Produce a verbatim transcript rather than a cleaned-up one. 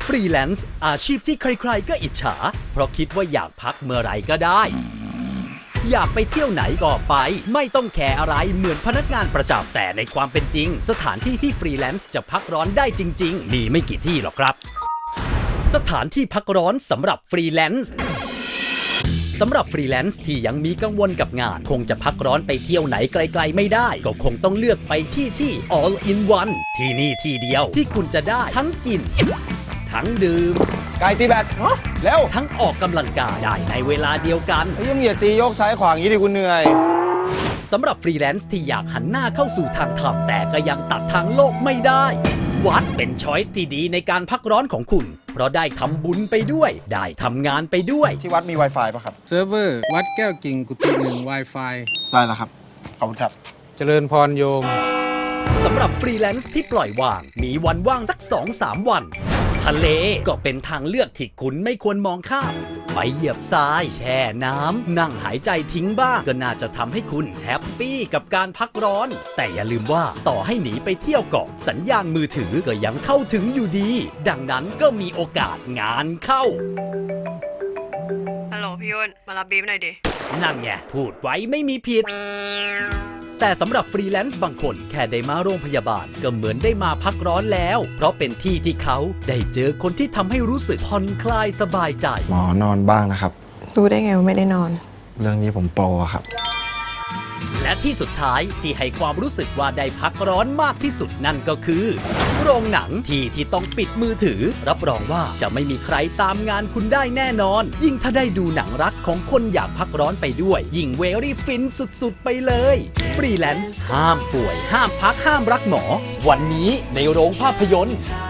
ฟรีแลนซ์อาชีพที่ใครๆก็อิจฉาเพราะคิดว่าอยากพักเมื่อไหร่ก็ได้อยากไปเที่ยวไหนก็ไปไม่ต้องแคร์อะไรเหมือนพนักงานประจำแต่ในความเป็นจริงสถานที่ที่ฟรีแลนซ์จะพักร้อนได้จริงๆมีไม่กี่ที่หรอกครับสถานที่พักร้อนสำหรับฟรีแลนซ์สำหรับฟรีแลนซ์ที่ยังมีกังวลกับงานคงจะพักร้อนไปเที่ยวไหนไกลๆไม่ได้ก็คงต้องเลือกไปที่ที่ all in one ที่นี่ที่เดียวที่คุณจะได้ทั้งกินทั้งดื่มไก่ตีแบตเร็วทั้งออกกำลังกายได้ในเวลาเดียวกันไอ้ยังอย่าตีโยกซ้ายขวาอย่างนี้ดิคุณเหนื่อยสำหรับฟรีแลนซ์ที่อยากหันหน้าเข้าสู่ทางธรรมแต่ก็ยังตัดทางโลกไม่ได้วัดเป็นช้อยส์ที่ดีในการพักร้อนของคุณเพราะได้ทำบุญไปด้วยได้ทำงานไปด้วยที่วัดมี Wi-Fi ป่ะครับเซิร์ฟเวอร์วัดแก้วกิ่งกุฏิหนึ่ง Wi-Fi ได้แล้วครับ ขอบคุณครับเจริญพรโยมสำหรับฟรีแลนซ์ที่ปล่อยวางมีวันว่างสัก สองถึงสาม วันทะเลก็เป็นทางเลือกที่คุณไม่ควรมองข้ามไปเหยียบทรายแช่น้ำนั่งหายใจทิ้งบ้างก็น่าจะทำให้คุณแฮปปี้กับการพักร้อนแต่อย่าลืมว่าต่อให้หนีไปเที่ยวเกาะสัญญาณมือถือก็ยังเข้าถึงอยู่ดีดังนั้นก็มีโอกาสงานเข้าฮัลโหลพี่ยุ่นมารับบีมหน่อยดินั่นไงพูดไว้ไม่มีผิดแต่สำหรับฟรีแลนซ์บางคนแค่ได้มาโรงพยาบาลก็เหมือนได้มาพักร้อนแล้วเพราะเป็นที่ที่เขาได้เจอคนที่ทำให้รู้สึกผ่อนคลายสบายใจหมอนอนบ้างนะครับรู้ได้ไงว่าไม่ได้นอนเรื่องนี้ผมโปรอะครับและที่สุดท้ายที่ให้ความรู้สึกว่าได้พักร้อนมากที่สุดนั่นก็คือ โรงหนังที่ที่ต้องปิดมือถือรับรองว่าจะไม่มีใครตามงานคุณได้แน่นอน ยิ่งถ้าได้ดูหนังรักของคนอยากพักร้อนไปด้วย ยิ่งเวรี่ฟินสุดๆไปเลยฟรีแลนซ์ห้ามป่วยห้ามพักห้ามรักหมอวันนี้ในโรงภาพยนตร์